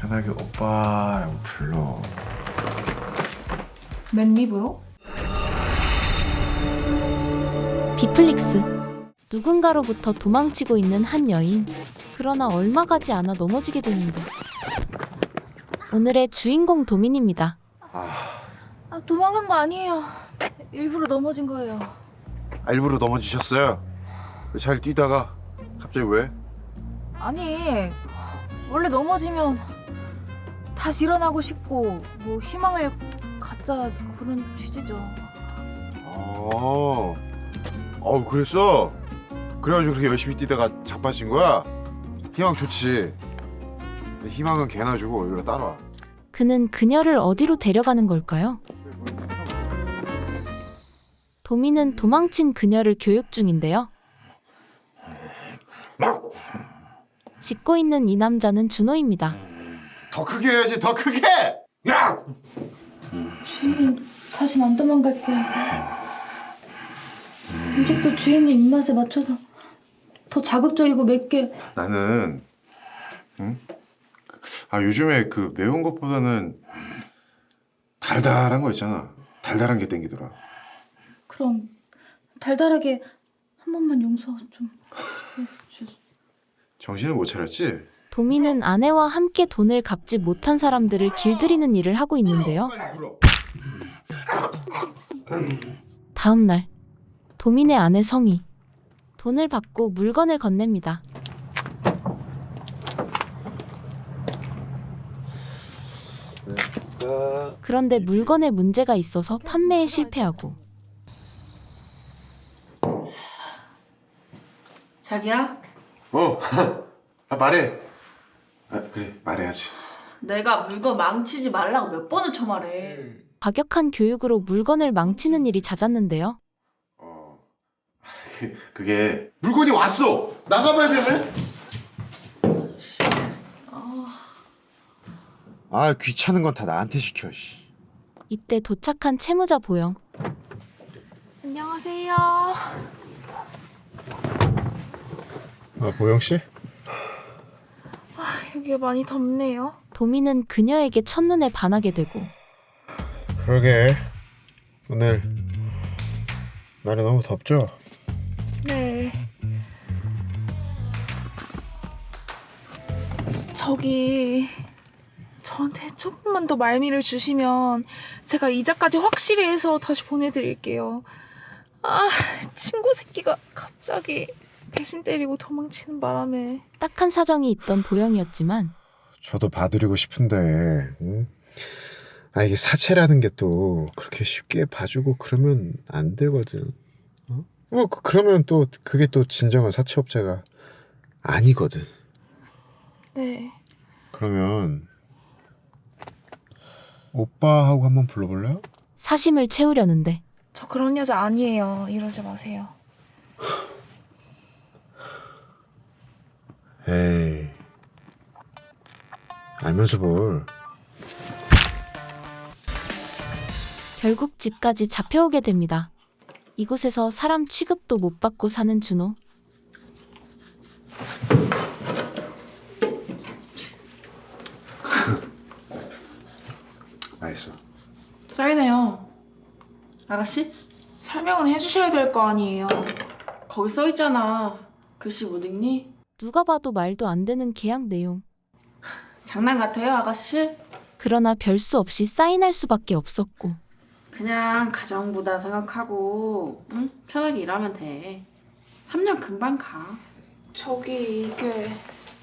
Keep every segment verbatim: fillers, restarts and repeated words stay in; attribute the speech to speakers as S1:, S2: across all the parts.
S1: 편하게 오빠라고 불러.
S2: 맨입으로?
S3: 비플릭스. 누군가로부터 도망치고 있는 한 여인. 그러나 얼마 가지 않아 넘어지게 되는데. 오늘의 주인공 도민입니다.
S2: 아, 도망간 거 아니에요. 일부러 넘어진 거예요.
S1: 아, 일부러 넘어지셨어요? 잘 뛰다가 갑자기 왜?
S2: 아니, 원래 넘어지면 다시 일어나고 싶고 뭐 희망을 갖자 그런 취지죠.
S1: 어, 어 그랬어? 그래가지고 그렇게 열심히 뛰다가 자빠진 거야? 희망 좋지. 희망은 개나 주고 여기로 따라와.
S3: 그는 그녀를 어디로 데려가는 걸까요? 도민은 도망친 그녀를 교육 중인데요. 짖고 있는 이 남자는 준호입니다.
S1: 더 크게 해야지, 더 크게! 야!
S2: 주인님, 다신 안 도망갈게요. 음식도 주인님 입맛에 맞춰서 더 자극적이고 맵게.
S1: 나는 응? 아 요즘에 그 매운 것보다는 달달한 거 있잖아. 달달한 게 땡기더라.
S2: 그럼 달달하게 한 번만 용서 좀 해주세요.
S1: 정신을 못 차렸지?
S3: 도민은 아내와 함께 돈을 갚지 못한 사람들을 길들이는 일을 하고 있는데요.
S1: 빨리 불어.
S3: 다음 날 도민의 아내 성이 돈을 받고 물건을 건넵니다. 그런데 물건에 문제가 있어서 판매에 실패하고
S4: 자기야?
S1: 어, 아, 말해. 아, 그래 말해야지.
S4: 내가 물건 망치지 말라고 몇 번을 쳐말해.
S3: 과격한 교육으로 물건을 망치는 일이 잦았는데요.
S1: 어, 그, 그게 물건이 왔어. 나가봐야 되네. 아 귀찮은 건 다 나한테 시켜. 씨.
S3: 이때 도착한 채무자 보영.
S2: 안녕하세요.
S1: 아 보영 씨?
S2: 여기가 많이 덥네요.
S3: 도민은 그녀에게 첫눈에 반하게 되고
S1: 그러게 오늘 날이 너무 덥죠?
S2: 네. 저기 저한테 조금만 더 말미를 주시면 제가 이자까지 확실히 해서 다시 보내드릴게요. 아, 친구 새끼가 갑자기 배신 때리고 도망치는 바람에.
S3: 딱한 사정이 있던 보영이었지만
S1: 저도 봐드리고 싶은데 응? 아 이게 사채라는 게 또 그렇게 쉽게 봐주고 그러면 안 되거든. 어? 뭐 그- 그러면 또 그게 또 진정한 사채업자가 아니거든.
S2: 네.
S1: 그러면 오빠하고 한번 불러볼래요?
S3: 사심을 채우려는데
S2: 저 그런 여자 아니에요. 이러지 마세요.
S1: 에이 알면서 뭘.
S3: 결국 집까지 잡혀오게 됩니다. 이곳에서 사람 취급도 못 받고 사는 준호.
S1: 알겠어.
S4: 써있네요. 아가씨?
S2: 설명은 해주셔야 될 거 아니에요.
S4: 거기 써있잖아. 글씨 못 읽니?
S3: 누가 봐도 말도 안 되는 계약 내용.
S4: 장난 같아요, 아가씨?
S3: 그러나 별 수 없이 사인할 수밖에 없었고
S4: 그냥 가정부다 생각하고 응? 편하게 일하면 돼. 삼 년 금방 가.
S2: 저기 이게.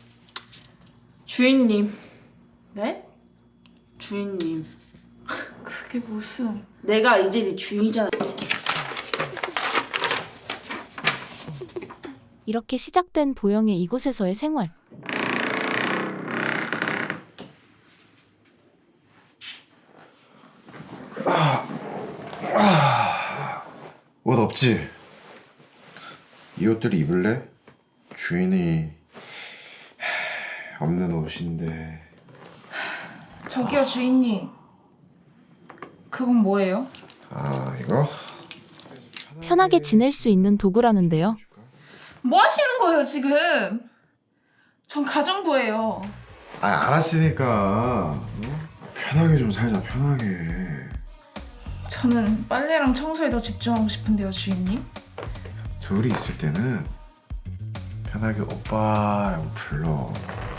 S4: 주인님.
S2: 네?
S4: 주인님.
S2: 그게 무슨.
S4: 내가 이제 네 주인이잖아.
S3: 이렇게 시작된 보영의 이곳에서의 생활.
S1: 옷 없지? 이 옷들 입을래? 주인이 하, 없는 옷인데.
S2: 저기요 주인님. 그건 뭐예요?
S1: 아 이거?
S3: 편하게 지낼 수 있는 도구라는데요.
S2: 뭐 하시는 거예요 지금? 전 가정부예요.
S1: 아 알았으니까 어? 편하게 좀 살자 편하게.
S2: 저는 빨래랑 청소에 더 집중하고 싶은데요, 주인님.
S1: 둘이 있을 때는 편하게 오빠라고 불러.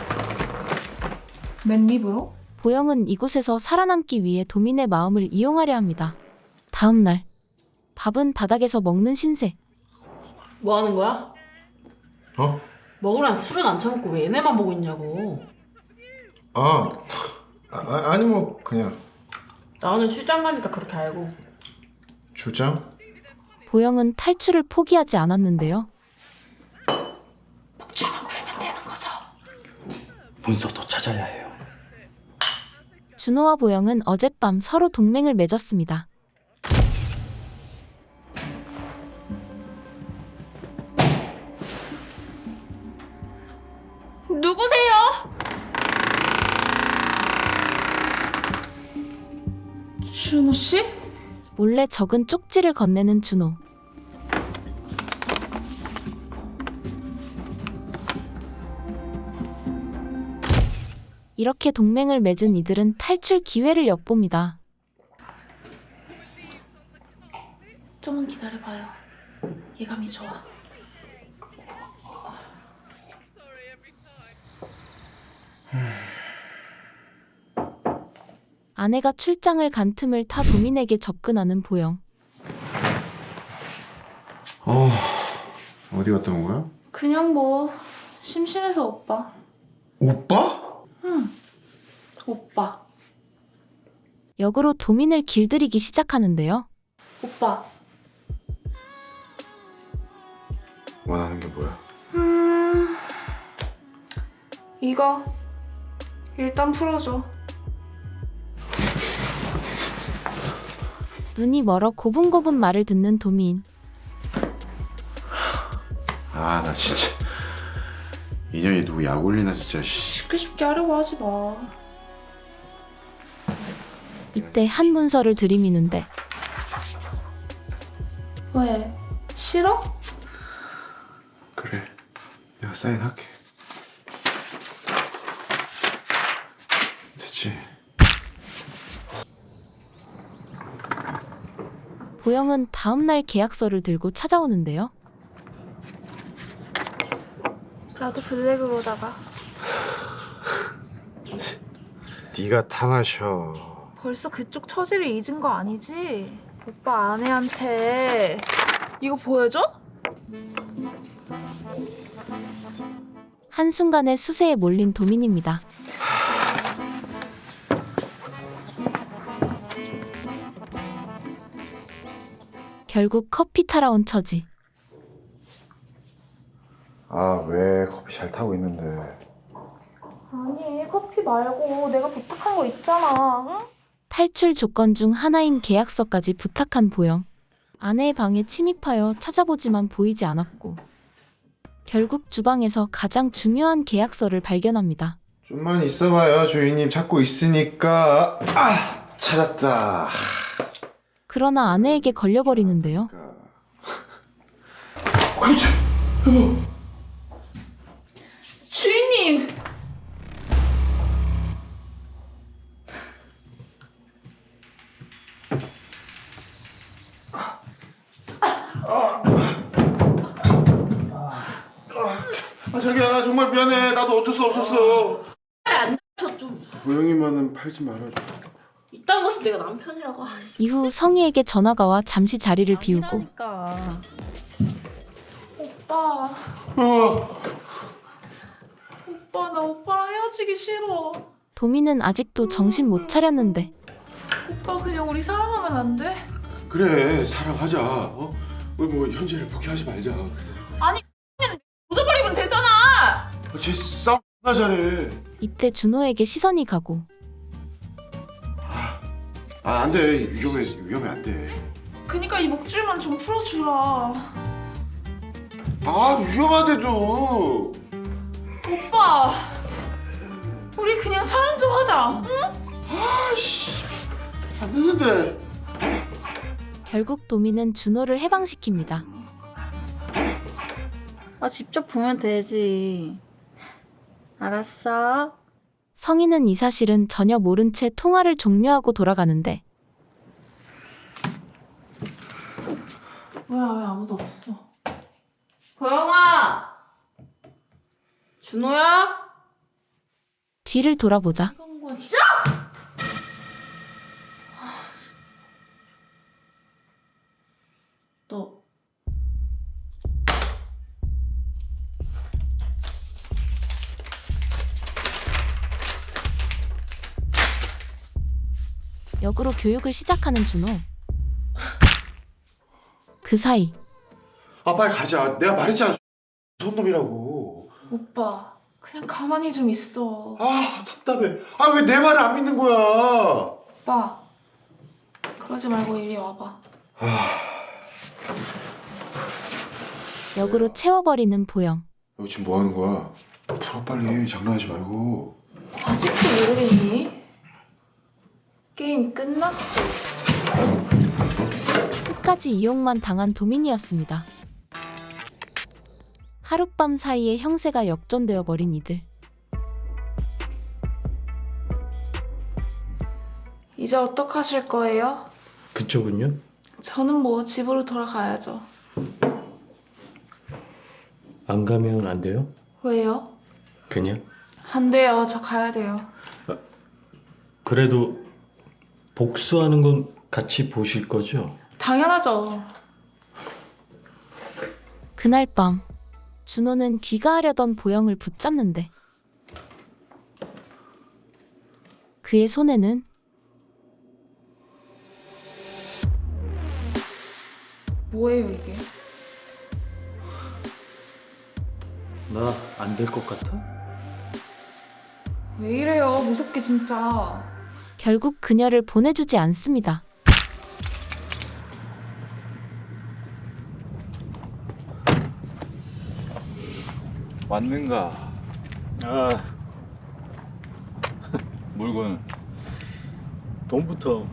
S2: 맨입으로?
S3: 보영은 이곳에서 살아남기 위해 도민의 마음을 이용하려 합니다. 다음 날 밥은 바닥에서 먹는 신세.
S4: 뭐 하는 거야?
S1: 어?
S4: 먹으란 술은 안 처먹고 왜 얘네만 보고 있냐고.
S1: 아, 아 아니 뭐 그냥
S4: 나는 출장 가니까 그렇게 알고.
S1: 출장?
S3: 보영은 탈출을 포기하지 않았는데요.
S4: 복주만 풀면 되는 거죠.
S5: 문서도 찾아야 해요.
S3: 준호와 보영은 어젯밤 서로 동맹을 맺었습니다.
S2: 누구세요? 준호 씨?
S3: 몰래 적은 쪽지를 건네는 준호. 이렇게 동맹을 맺은 이들은 탈출 기회를 엿봅니다.
S2: 좀만 기다려봐요. 예감이 좋아.
S3: 아내가 출장을 간 틈을 타 도민에게 접근하는 보영.
S1: 어 어디 갔다 온 거야?
S2: 그냥 뭐 심심해서 오빠.
S1: 오빠?
S2: 응. 오빠.
S3: 역으로 도민을 길들이기 시작하는데요.
S2: 오빠.
S1: 원하는 게 뭐야?
S2: 음. 이거 일단 풀어줘.
S3: 눈이 멀어 고분고분 말을 듣는 도민.
S1: 아 나 진짜 인연이 누구 약 올리나 진짜. 씨.
S2: 쉽게 쉽게 하려고 하지 마.
S3: 이때 한 문서를 들이미는데
S2: 왜? 싫어?
S1: 그래 내가 사인할게. 됐지?
S3: 보영은 다음날 계약서를 들고 찾아오는데요.
S2: 나도 블랙으로다가.
S1: 네가 타 마셔.
S2: 벌써 그쪽 처지를 잊은 거 아니지? 오빠 아내한테 이거 보여줘?
S3: 한순간에 수세에 몰린 도민입니다. 결국 커피 타러 온 처지.
S1: 아 왜 커피 잘 타고 있는데.
S2: 아니 커피 말고 내가 부탁한 거 있잖아. 응?
S3: 탈출 조건 중 하나인 계약서까지 부탁한 보영. 아내의 방에 침입하여 찾아보지만 보이지 않았고 결국 주방에서 가장 중요한 계약서를 발견합니다.
S1: 좀만 있어봐요 주인님 찾고 있으니까. 아 찾았다.
S3: 그러나 아내에게 걸려버리는데요.
S1: 그렇지 여보.
S2: 주인님!
S1: 아 자기야 나 정말 미안해. 나도 어쩔 수 없었어.
S4: 안 다쳐 좀.
S1: 보영이만은 팔지 말아줘.
S4: 이딴 것은 내가 남편이라고. 아씨.
S3: 이후 성희에게 전화가 와 잠시 자리를 비우고
S4: 아니라니까.
S2: 오빠.
S1: 어.
S2: 오빠 나 오빠랑 헤어지기 싫어.
S3: 도민은 아직도 정신 못 차렸는데
S2: 오빠 그냥 우리 사랑하면 안 돼?
S1: 그래 사랑하자. 어? 우리 뭐 현재를 포기하지 말자.
S2: 웃어버리면 되잖아!
S1: 쟤 싸움 나 잘해.
S3: 이때 준호에게 시선이 가고
S1: 아 안돼 위험해 위험해 안돼.
S2: 그니까 이 목줄만 좀 풀어주라.
S1: 아 위험한데도.
S2: 오빠! 우리 그냥 사랑 좀 하자. 응?
S1: 아씨 안 되는데.
S3: 결국 도민은 준호를 해방시킵니다.
S4: 아 직접 보면 되지. 알았어.
S3: 성인은 이 사실은 전혀 모른 채 통화를 종료하고 돌아가는데
S4: 뭐야, 왜 아무도 없어? 보영아! 준호야?
S3: 뒤를 돌아보자
S4: 이런 건 진짜? 너
S3: 역으로 교육을 시작하는 준호. 그 사이
S1: 아 빨리 가자. 내가 말했잖아. 손놈이라고.
S2: 오빠 그냥 가만히 좀 있어.
S1: 아 답답해. 아 왜 내 말을 안 믿는 거야?
S2: 오빠 그러지 말고 이리 와봐.
S3: 역으로 채워버리는 보영.
S1: 너 지금 뭐 하는 거야? 풀어 빨리. 장난하지 말고.
S2: 아직도 모르겠니? 게임 끝났어.
S3: 끝까지 이용만 당한 도민이었습니다. 하룻밤 사이에 형세가 역전되어 버린 이들.
S2: 이제 어떡하실 거예요?
S5: 그쪽은요?
S2: 저는 뭐 집으로 돌아가야죠.
S5: 안 가면 안 돼요?
S2: 왜요?
S5: 그냥?
S2: 안 돼요. 저 가야 돼요.
S5: 그래도 복수하는 건 같이 보실 거죠?
S2: 당연하죠.
S3: 그날 밤 준호는 귀가하려던 보영을 붙잡는데 그의 손에는
S2: 뭐예요 이게?
S5: 나 안 될 것 같아?
S2: 왜 이래요? 무섭게 진짜.
S3: 결국 그녀를 보내주지 않습니다.
S6: 맞는가?
S5: 아,
S6: 물건
S5: 돈부터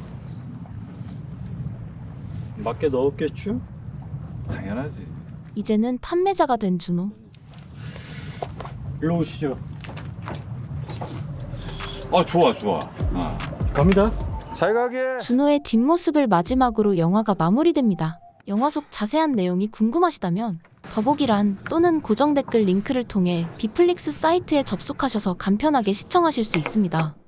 S5: 맞게 넣었겠죠?
S6: 당연하지.
S3: 이제는 판매자가 된 준호.
S5: 일로 오시죠.
S6: 아 좋아 좋아. 아.
S5: 갑니다.
S6: 잘 가게.
S3: 준호의 뒷모습을 마지막으로 영화가 마무리됩니다. 영화 속 자세한 내용이 궁금하시다면 더보기란 또는 고정 댓글 링크를 통해 비플릭스 사이트에 접속하셔서 간편하게 시청하실 수 있습니다.